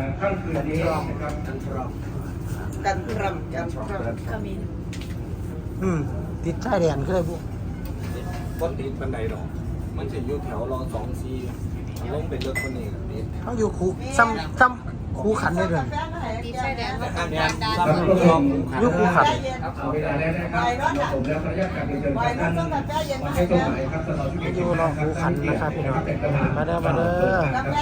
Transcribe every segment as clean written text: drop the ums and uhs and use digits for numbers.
ค่ำคืนนี้นะครับกันทรอมก็มีติดชายแดนก็เลยพวกก็ติดบันไดหรอกมันจะอยู่แถวรอ2 4ลงเป็นรถคนนี้ติดเขาอยู่คูซ้ำคูขันได้เลยตีใช่แดงแต่ก็ข้างดันี้นดันซ้ำรอบอยู่คูขันเอาเวลาแล้วนะครับผมแล้วขออนุญาตกลับเรียนเชิญท่านมาให้ตรงไหนครับตลอดที่อยู่รอคูขันนะครับพี่น้องมาเด้อมาเด้อท่าน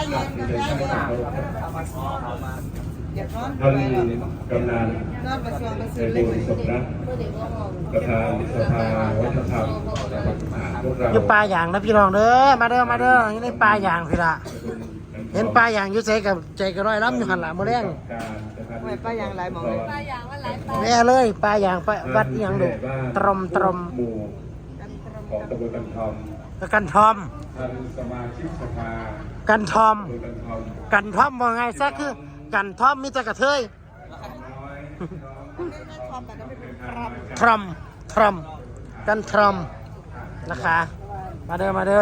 กำนันในบุญสมรักประธานสภาวัฒนธรรมพวกเราอยู่ปลาอย่างนะพี่น้องเด้อมาเด้ออยู่ในปลาอย่างพี่ละเห็นปลาอย่างอยู่ใจกับใจกระร้อยล้ำอยู่หันหลังมาแรงไม่ป้ายังไรมองปลาอย่างว่าหลายปลาแม่เลยปลาอย่างไปวัดอหยังดูตรมหมู่ของตำบลกันทอมกันทอมท่านสมาชิกสภากันทอมตำบลกันทอมกันทอมว่าไงซะคือกันทอมมีแต่กระเทยน้อยทรอมกันทรอมนะคะมาเด้อ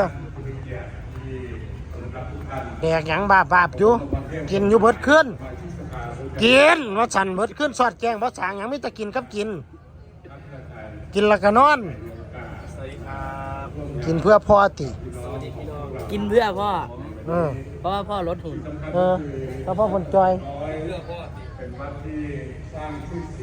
แดกหยังบาปอยู่กินอยู่เบิดขึ้นกินว่าฉันเบิดขึ้นสอดแกงว่าสางหยังไม่แต่กินกับกินแล้วก็นอน กินเพื่อพ่อติกินเพื่อพ่ออเพราะว่าพ่อลดหุ่นแล้วพ่อคนจอยเป็นวัดที่สร้างชื่อ